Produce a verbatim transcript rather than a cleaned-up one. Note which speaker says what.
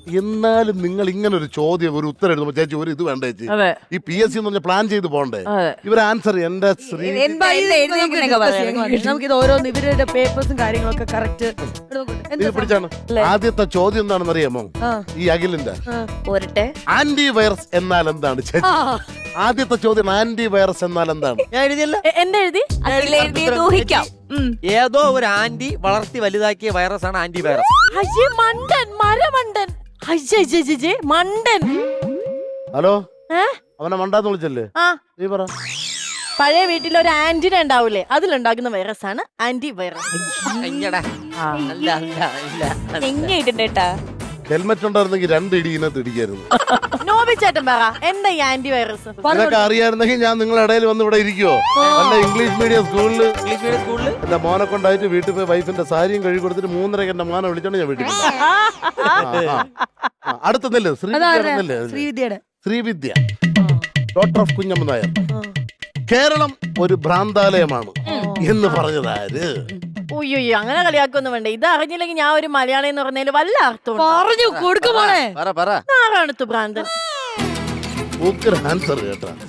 Speaker 1: എന്നാലും നിങ്ങൾ ഇങ്ങനെ ഒരു ചോദ്യം ഒരു ഉത്തരം എഴുതുമ്പോ ചേച്ചി ഒരു ഇത് വേണ്ട ചേച്ചി.
Speaker 2: അതെ.
Speaker 1: ഈ പി എസ് സി എന്ന് പറഞ്ഞ പ്ലാൻ ചെയ്ത് പോണ്ടേ?
Speaker 2: അതെ.
Speaker 1: ഇവർ ആൻസർ എന്റെ ശ്രീ
Speaker 3: നമുക്കിത് ഓരോന്ന് ഇവരുടെ പേപ്പേഴ്സും കാര്യങ്ങളൊക്കെ കറക്റ്റ്
Speaker 1: ഇത് പിടിച്ചാണ്. ആദ്യത്തെ ചോദ്യം എന്താണെന്ന് അറിയാമോ? ഈ അഖിലിന്റെ
Speaker 4: പോരട്ടെ.
Speaker 1: ആന്റി വൈറസ് എന്നാൽ എന്താണ് ചേച്ചി? ആദ്യത്തെ ചോദ്യം ആന്റി വൈറസ് എന്നാൽ എന്താണ്?
Speaker 5: ഞാൻ എഴുതിയല്ല.
Speaker 3: എന്താ എഴുതി?
Speaker 4: അതിലെഴുതിയത് ഊഹിക്കാം.
Speaker 5: ഏതോ ഒരു ആന്റി വളർത്തി വലുതാക്കിയ വൈറസ് ആണ് ആന്റി വൈറസ്.
Speaker 3: അയ്യേ മണ്ടൻ മരമണ്ടൻ അയ്യേ മണ്ടൻ.
Speaker 1: ഹലോ,
Speaker 3: ഏ?
Speaker 1: അവനെ മണ്ടാന്ന് വിളിച്ചല്ലേ?
Speaker 3: ആ
Speaker 1: നീ പറ.
Speaker 3: പഴയ വീട്ടിൽ ഒരു ആന്റിന ഉണ്ടാവൂലേ, അതിലുണ്ടാക്കുന്ന വൈറസ് ആണ് ആന്റി വൈറസ്.
Speaker 5: അയ്യടാ. അല്ല അല്ല അല്ല
Speaker 4: എങ്ങനെയിട്ടുണ്ട് കേട്ടാ.
Speaker 1: ഹെൽമെറ്റ് ഉണ്ടായിരുന്നെങ്കിൽ രണ്ട് ഇടി ഇതിനകത്ത് ഇടിക്കായിരുന്നു.
Speaker 3: നോബി ചേട്ടൻ പറ എന്താ ഈ ആന്റി വൈറസ്?
Speaker 1: ഇതൊക്കെ അറിയായിരുന്നെങ്കിൽ ഞാൻ നിങ്ങളുടെ ഇടയിൽ വന്ന് ഇവിടെ ഇരിക്കുവോ? നല്ല ഇംഗ്ലീഷ് മീഡിയം സ്കൂളില്
Speaker 5: ഇംഗ്ലീഷ് മീഡിയം സ്കൂളില്
Speaker 1: എന്റെ മോനെ കൊണ്ടായിട്ട് വീട്ടിൽ പോയി വൈഫിന്റെ സാരിയും കഴുകി കൊടുത്തിട്ട് മൂന്നരക്ക് എന്റെ മോനെ വിളിച്ചോണ്ട് ഞാൻ വീട്ടിൽ പോയി. അടുത്തല്ലേ ശ്രീവിദ്യ?
Speaker 3: ശ്രീവിദ്യയുടെ
Speaker 1: ശ്രീവിദ്യ ഡോക്ടർ ഓഫ് കുഞ്ഞമ്മ നായർ. കേരളം ഒരു ഭ്രാന്താലയമാണ് എന്ന് പറഞ്ഞതാര്?
Speaker 3: ഉയ്യോ അങ്ങനെ കളിയാക്കൊന്നും വേണ്ട. ഇത് അറിഞ്ഞില്ലെങ്കിൽ ഞാൻ ഒരു മലയാളി എന്ന് പറഞ്ഞതിൽ വല്ല അർത്ഥം
Speaker 4: പറഞ്ഞു കൊടുക്കുമോളെ.
Speaker 5: പറ പറ.
Speaker 3: ആരാണ് ഭ്രാന്തൻ?
Speaker 1: ആൻസർ കേട്ടാ.